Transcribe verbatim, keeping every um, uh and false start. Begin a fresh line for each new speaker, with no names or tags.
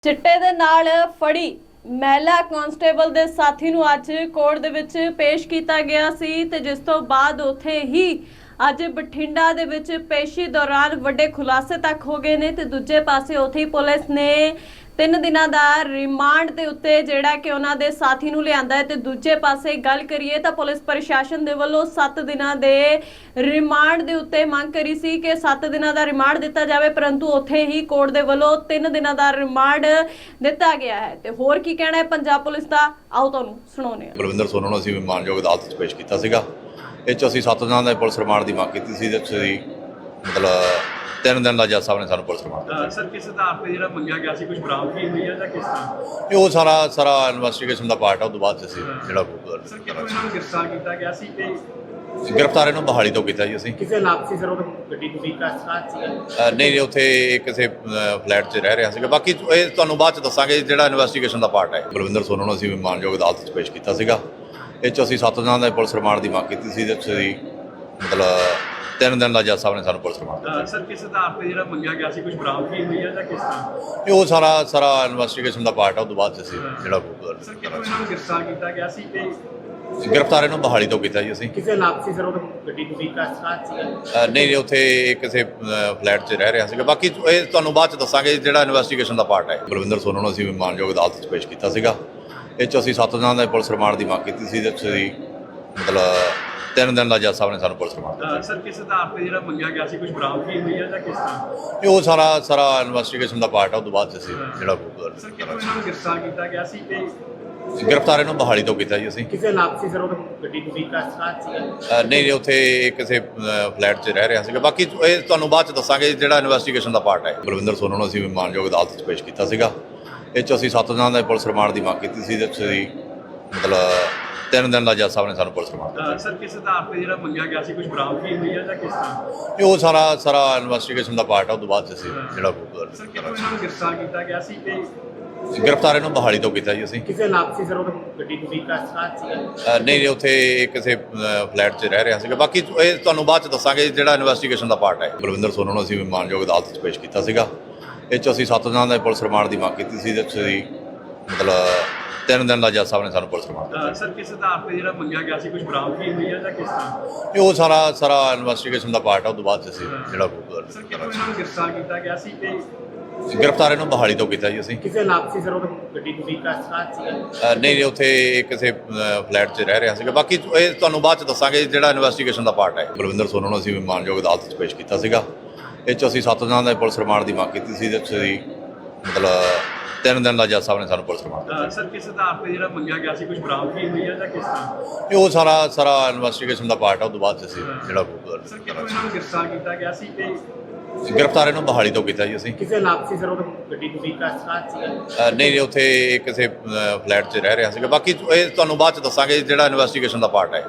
ਚਿੱਟੇ ਦੇ ਨਾਲ ਫੜੀ ਮਹਿਲਾ ਕਾਂਸਟੇਬਲ ਦੇ ਸਾਥੀ ਨੂੰ ਅੱਜ ਕੋਰਟ ਦੇ ਵਿੱਚ ਪੇਸ਼ ਕੀਤਾ ਗਿਆ ਸੀ ਤੇ ਜਿਸ ਤੋਂ ਬਾਅਦ ਉੱਥੇ ਹੀ ਅੱਜ ਬਠਿੰਡਾ ਦੇ ਵਿੱਚ ਪੇਸ਼ੀ ਦੌਰਾਨ ਵੱਡੇ ਖੁਲਾਸੇ ਤੱਕ ਹੋ ਗਏ ਨੇ ਤੇ ਦੂਜੇ ਪਾਸੇ ਉੱਥੇ ਹੀ ਪੁਲਿਸ ਨੇ ਤਿੰਨ ਦਿਨਾਂ ਦਾ ਰਿਮਾਂਡ ਦੇ ਉੱਤੇ ਜਿਹੜਾ ਕਿ ਉਹਨਾਂ ਦੇ ਸਾਥੀ ਨੂੰ ਲਿਆਂਦਾ ਹੈ ਤੇ ਦੂਜੇ ਪਾਸੇ ਗੱਲ ਕਰੀਏ ਤਾਂ ਪੁਲਿਸ ਪ੍ਰਸ਼ਾਸਨ ਦੇ ਵੱਲੋਂ ਸੱਤ ਦਿਨਾਂ ਦੇ ਰਿਮਾਂਡ ਦੇ ਉੱਤੇ ਮੰਗ ਕਰੀ ਸੀ ਕਿ ਸੱਤ ਦਿਨਾਂ ਦਾ ਰਿਮਾਂਡ ਦਿੱਤਾ ਜਾਵੇ, ਪਰੰਤੂ ਉੱਥੇ ਹੀ ਕੋਰਟ ਦੇ ਵੱਲੋਂ ਤਿੰਨ ਦਿਨਾਂ ਦਾ ਰਿਮਾਂਡ ਦਿੱਤਾ ਗਿਆ ਹੈ। ਤੇ ਹੋਰ ਕੀ ਕਹਿਣਾ ਹੈ ਪੰਜਾਬ ਪੁਲਿਸ ਦਾ, ਆਓ ਤੁਹਾਨੂੰ ਸੁਣਾਉਂਦੇ ਹਾਂ।
ਬਲਵਿੰਦਰ ਸੋਨੂ ਨੂੰ ਅਸੀਂ ਮਾਨਯੋਗ ਅਦਾਲਤ ਵਿੱਚ ਪੇਸ਼ ਕੀਤਾ ਸੀਗਾ। ਇਹ 'ਚ ਅਸੀਂ ਸੱਤ ਦਿਨਾਂ ਦਾ ਪੁਲਿਸ ਰਿਮਾਂਡ ਦੀ ਮੰਗ ਕੀਤੀ ਸੀ ਤੇ ਅਸੀਂ ਮਤਲਬ ਤਿੰਨ ਦਿਨ ਦਾ ਜੱਜ ਸਾਹਿਬ ਨੇ ਸਾਨੂੰ ਪੁਲਿਸ ਰਿਮਾਂਡ ਦਿੱਤਾ।
ਸਰ ਕਿਸ ਆਧਾਰ ਤੇ ਜਿਹੜਾ ਮੰਗਿਆ ਗਿਆ ਸੀ, ਕੁਝ ਬਰਾਮਦਗੀ ਹੋਈ ਹੈ ਜਾਂ ਕਿਸ ਤਰ੍ਹਾਂ?
ਇਹ ਉਹ ਸਾਰਾ ਸਾਰਾ ਇਨਵੈਸਟੀਗੇਸ਼ਨ ਦਾ ਪਾਰਟ ਆ। ਉਹ ਤੋਂ ਬਾਅਦ 'ਚ ਅਸੀਂ ਜਿਹੜਾ
ਸਰ ਕਿਹਨੂੰ ਇਹਨਾਂ ਨੂੰ ਗ੍ਰਿਫਤਾਰ ਕੀਤਾ ਗਿਆ ਸੀ ਤੇ
ਗ੍ਰਿਫਤਾਰ ਇਹਨੂੰ ਬਹਾਲੀ ਤੋਂ ਕੀਤਾ ਜੀ ਅਸੀਂ।
ਕਿਸੇ ਲਾਪਸੀ ਸਰ ਉਹ ਗੱਡੀ ਤੁਸੀਂ ਕਾਸਕਾਤ ਸੀ?
ਅ, ਨਹੀਂ ਨਹੀਂ ਉੱਥੇ ਕਿਸੇ ਫਲੈਟ 'ਚ ਰਹਿ ਰਿਹਾ ਸੀਗਾ। ਬਾਕੀ ਇਹ ਤੁਹਾਨੂੰ ਬਾਅਦ 'ਚ ਦੱਸਾਂਗੇ ਜਿਹੜਾ ਇਨਵੈਸਟੀਗੇਸ਼ਨ ਦਾ ਪਾਰਟ ਹੈ। ਬਲਵਿੰਦਰ ਸੋਨੂ ਨੂੰ ਅਸੀਂ ਮਾਨਯੋਗ ਅਦਾਲਤ ਵਿੱਚ ਪੇਸ਼ ਕੀਤਾ ਸੀਗਾ। ਇਹ 'ਚ ਅਸੀਂ ਸੱਤ ਦਿਨਾਂ ਦਾ ਪੁਲਿਸ ਰਿਮਾਂਡ ਦੀ ਮੰਗ ਕੀਤੀ ਸੀ ਤੇ ਅਸੀਂ ਮਤਲਬ ਤਿੰਨ ਦਿਨ ਦਾ ਜੱਜ ਸਾਹਿਬ ਨੇ ਸਾਨੂੰ ਪੁਲਿਸ ਰਿਮਾਂਡ ਦਿੱਤਾ।
ਸਰ ਕਿਸ ਆਧਾਰ ਤੇ ਜਿਹੜਾ ਮੰਗਿਆ ਗਿਆ ਸੀ, ਕੁਝ ਬਰਾਮਦਗੀ ਹੋਈ ਹੈ ਜਾਂ ਕਿਸ ਤਰ੍ਹਾਂ?
ਇਹ ਉਹ ਸਾਰਾ ਸਾਰਾ ਇਨਵੈਸਟੀਗੇਸ਼ਨ ਦਾ ਪਾਰਟ ਆ। ਉਹ ਤੋਂ ਬਾਅਦ 'ਚ ਅਸੀਂ ਜਿਹੜਾ
ਸਰ ਕਿਹਨੂੰ ਇਹਨਾਂ ਨੂੰ ਗ੍ਰਿਫਤਾਰ ਕੀਤਾ ਗਿਆ ਸੀ ਤੇ
ਗ੍ਰਿਫਤਾਰ ਇਹਨੂੰ ਬਹਾਲੀ ਤੋਂ ਕੀਤਾ ਜੀ ਅਸੀਂ।
ਕਿਸੇ ਲਾਪਸੀ ਸਰ ਉਹ ਗੱਡੀ ਤੁਸੀਂ ਕਾਸਕਾਤ ਸੀ?
ਅ, ਨਹੀਂ ਨਹੀਂ ਉੱਥੇ ਕਿਸੇ ਫਲੈਟ 'ਚ ਰਹਿ ਰਿਹਾ ਸੀਗਾ। ਬਾਕੀ ਇਹ ਤੁਹਾਨੂੰ ਬਾਅਦ 'ਚ ਦੱਸਾਂਗੇ ਜਿਹੜਾ ਇਨਵੈਸਟੀਗੇਸ਼ਨ ਦਾ ਪਾਰਟ ਹੈ। ਬਲਵਿੰਦਰ ਸੋਨੂ ਨੂੰ ਅਸੀਂ ਮਾਨਯੋਗ ਅਦਾਲਤ ਵਿੱਚ ਪੇਸ਼ ਕੀਤਾ ਸੀਗਾ। ਇਹ 'ਚ ਅਸੀਂ ਸੱਤ ਦਿਨਾਂ ਦਾ ਪੁਲਿਸ ਰਿਮਾਂਡ ਦੀ ਮੰਗ ਕੀਤੀ ਸੀ ਤੇ ਅਸੀਂ ਮਤਲਬ ਤਿੰਨ ਦਿਨ ਦਾ ਜੱਜ ਸਾਹਿਬ ਨੇ ਸਾਨੂੰ ਪੁਲਿਸ ਰਿਮਾਂਡ ਦਿੱਤਾ।
ਸਰ ਕਿਸ ਆਧਾਰ ਤੇ ਜਿਹੜਾ ਮੰਗਿਆ ਗਿਆ ਸੀ, ਕੁਝ ਬਰਾਮਦਗੀ ਹੋਈ ਹੈ ਜਾਂ ਕਿਸ ਤਰ੍ਹਾਂ?
ਇਹ ਉਹ ਸਾਰਾ ਸਾਰਾ ਇਨਵੈਸਟੀਗੇਸ਼ਨ ਦਾ ਪਾਰਟ ਆ। ਉਹ ਤੋਂ ਬਾਅਦ 'ਚ ਅਸੀਂ ਜਿਹੜਾ
ਸਰ ਕਿਹਨੂੰ ਇਹਨਾਂ ਨੂੰ ਗ੍ਰਿਫਤਾਰ ਕੀਤਾ ਗਿਆ ਸੀ ਤੇ
ਗ੍ਰਿਫਤਾਰ ਇਹਨੂੰ ਬਹਾਲੀ ਤੋਂ ਕੀਤਾ ਜੀ ਅਸੀਂ।
ਕਿਸੇ ਲਾਪਸੀ ਸਰ ਉਹ ਗੱਡੀ ਤੁਸੀਂ ਕਾਸਕਾਤ ਸੀ?
ਅ, ਨਹੀਂ ਨਹੀਂ ਉੱਥੇ ਕਿਸੇ ਫਲੈਟ 'ਚ ਰਹਿ ਰਿਹਾ ਸੀਗਾ। ਬਾਕੀ ਇਹ ਤੁਹਾਨੂੰ ਬਾਅਦ 'ਚ ਦੱਸਾਂਗੇ ਜਿਹੜਾ ਇਨਵੈਸਟੀਗੇਸ਼ਨ ਦਾ ਪਾਰਟ ਹੈ। ਬਲਵਿੰਦਰ ਸੋਨੂ ਨੂੰ ਅਸੀਂ ਮਾਨਯੋਗ ਅਦਾਲਤ ਵਿੱਚ ਪੇਸ਼ ਕੀਤਾ ਸੀਗਾ। ਇਹ 'ਚ ਅਸੀਂ ਸੱਤ ਦਿਨਾਂ ਦਾ ਪੁਲਿਸ ਰਿਮਾਂਡ ਦੀ ਮੰਗ ਕੀਤੀ ਸੀ ਤੇ ਅਸੀਂ ਮਤਲਬ ਤਿੰਨ ਦਿਨ ਦਾ ਜੱਜ ਸਾਹਿਬ ਨੇ ਸਾਨੂੰ ਪੁਲਿਸ ਰਿਮਾਂਡ ਦਿੱਤਾ।
ਸਰ ਕਿਸ ਆਧਾਰ ਤੇ ਜਿਹੜਾ ਮੰਗਿਆ ਗਿਆ ਸੀ, ਕੁਝ ਬਰਾਮਦਗੀ ਹੋਈ ਹੈ ਜਾਂ ਕਿਸ ਤਰ੍ਹਾਂ?
ਇਹ ਉਹ ਸਾਰਾ ਸਾਰਾ ਇਨਵੈਸਟੀਗੇਸ਼ਨ ਦਾ ਪਾਰਟ ਆ। ਉਹ ਤੋਂ ਬਾਅਦ 'ਚ ਅਸੀਂ ਜਿਹੜਾ
ਸਰ ਕਿਹਨੂੰ ਇਹਨਾਂ ਨੂੰ ਗ੍ਰਿਫਤਾਰ ਕੀਤਾ ਗਿਆ ਸੀ ਤੇ
ਗ੍ਰਿਫਤਾਰ ਇਹਨੂੰ ਬਹਾਲੀ ਤੋਂ ਕੀਤਾ ਜੀ ਅਸੀਂ।
ਕਿਸੇ ਲਾਪਸੀ ਸਰ ਉਹ ਗੱਡੀ ਤੁਸੀਂ ਕਾਸਕਾਤ ਸੀ?
ਅ, ਨਹੀਂ ਨਹੀਂ ਉੱਥੇ ਕਿਸੇ ਫਲੈਟ 'ਚ ਰਹਿ ਰਿਹਾ ਸੀਗਾ। ਬਾਕੀ ਇਹ ਤੁਹਾਨੂੰ ਬਾਅਦ 'ਚ ਦੱਸਾਂਗੇ ਜਿਹੜਾ ਇਨਵੈਸਟੀਗੇਸ਼ਨ ਦਾ ਪਾਰਟ ਹੈ। ਬਲਵਿੰਦਰ ਸੋਨੂ ਨੂੰ ਅਸੀਂ ਮਾਨਯੋਗ ਅਦਾਲਤ ਵਿੱਚ ਪੇਸ਼ ਕੀਤਾ ਸੀਗਾ। ਇਹ 'ਚ ਅਸੀਂ ਸੱਤ ਦਿਨਾਂ ਦਾ ਪੁਲਿਸ ਰਿਮਾਂਡ ਦੀ ਮੰਗ ਕੀਤੀ ਸੀ ਤੇ ਅਸੀਂ ਮਤਲਬ ਤਿੰਨ ਦਿਨ ਦਾ ਜੱਜ ਸਾਹਿਬ ਨੇ ਸਾਨੂੰ ਪੁਲਿਸ ਰਿਮਾਂਡ ਦਿੱਤਾ।
ਸਰ ਕਿਸ ਆਧਾਰ ਤੇ ਜਿਹੜਾ ਮੰਗਿਆ ਗਿਆ ਸੀ, ਕੁਝ ਬਰਾਮਦਗੀ ਹੋਈ ਹੈ ਜਾਂ ਕਿਸ ਤਰ੍ਹਾਂ?
ਇਹ ਉਹ ਸਾਰਾ ਸਾਰਾ ਇਨਵੈਸਟੀਗੇਸ਼ਨ ਦਾ ਪਾਰਟ ਆ। ਉਹ ਤੋਂ ਬਾਅਦ 'ਚ ਅਸੀਂ ਜਿਹੜਾ
ਸਰ ਕਿਹਨੂੰ ਇਹਨਾਂ ਨੂੰ ਗ੍ਰਿਫਤਾਰ ਕੀਤਾ ਗਿਆ ਸੀ ਤੇ
ਗ੍ਰਿਫਤਾਰ ਇਹਨੂੰ ਬਹਾਲੀ ਤੋਂ ਕੀਤਾ ਜੀ ਅਸੀਂ।
ਕਿਸੇ ਲਾਪਸੀ ਸਰ ਉਹ ਗੱਡੀ ਤੁਸੀਂ ਕਾਸਕਾਤ ਸੀ?
ਅ, ਨਹੀਂ ਨਹੀਂ ਉੱਥੇ ਕਿਸੇ ਫਲੈਟ 'ਚ ਰਹਿ ਰਿਹਾ ਸੀਗਾ। ਬਾਕੀ ਇਹ ਤੁਹਾਨੂੰ ਬਾਅਦ 'ਚ ਦੱਸਾਂਗੇ ਜਿਹੜਾ ਇਨਵੈਸਟੀਗੇਸ਼ਨ ਦਾ ਪਾਰਟ ਹੈ। ਬਲਵਿੰਦਰ ਸੋਨੂ ਨੂੰ ਅਸੀਂ ਮਾਨਯੋਗ ਅਦਾਲਤ ਵਿੱਚ ਪੇਸ਼ ਕੀਤਾ ਸੀਗਾ। ਇਹ 'ਚ ਅਸੀਂ ਸੱਤ ਦਿਨਾਂ ਦਾ ਪੁਲਿਸ ਰਿਮਾਂਡ ਦੀ ਮੰਗ ਕੀਤੀ ਸੀ ਤੇ ਅਸੀਂ ਮਤਲਬ ਤਿੰਨ ਦਿਨ ਦਾ ਜੱਜ ਸਾਹਿਬ ਨੇ ਸਾਨੂੰ ਪੁਲਿਸ ਰਿਮਾਂਡ ਦਿੱਤਾ।
ਸਰ ਕਿਸ ਆਧਾਰ ਤੇ ਜਿਹੜਾ ਮੰਗਿਆ ਗਿਆ ਸੀ, ਕੁਝ ਬਰਾਮਦਗੀ ਹੋਈ ਹੈ ਜਾਂ ਕਿਸ ਤਰ੍ਹਾਂ?
ਇਹ ਉਹ ਸਾਰਾ ਸਾਰਾ ਇਨਵੈਸਟੀਗੇਸ਼ਨ ਦਾ ਪਾਰਟ ਆ। ਉਹ ਤੋਂ ਬਾਅਦ 'ਚ ਅਸੀਂ ਜਿਹੜਾ
ਸਰ ਕਿਹਨੂੰ ਇਹਨਾਂ ਨੂੰ ਗ੍ਰਿਫਤਾਰ ਕੀਤਾ ਗਿਆ ਸੀ ਤੇ
ਗ੍ਰਿਫਤਾਰ ਇਹਨੂੰ ਬਹਾਲੀ ਤੋਂ ਕੀਤਾ ਜੀ ਅਸੀਂ।
ਕਿਸੇ ਲਾਪਸੀ ਸਰ ਉਹ ਗੱਡੀ ਤੁਸੀਂ ਕਾਸਕਾਤ ਸੀ?
ਅ, ਨਹੀਂ ਨਹੀਂ ਉੱਥੇ ਕਿਸੇ ਫਲੈਟ 'ਚ ਰਹਿ ਰਿਹਾ ਸੀਗਾ। ਬਾਕੀ ਇਹ ਤੁਹਾਨੂੰ ਬਾਅਦ 'ਚ ਦੱਸਾਂਗੇ ਜਿਹੜਾ ਇਨਵੈਸਟੀਗੇਸ਼ਨ ਦਾ ਪਾਰਟ ਹੈ।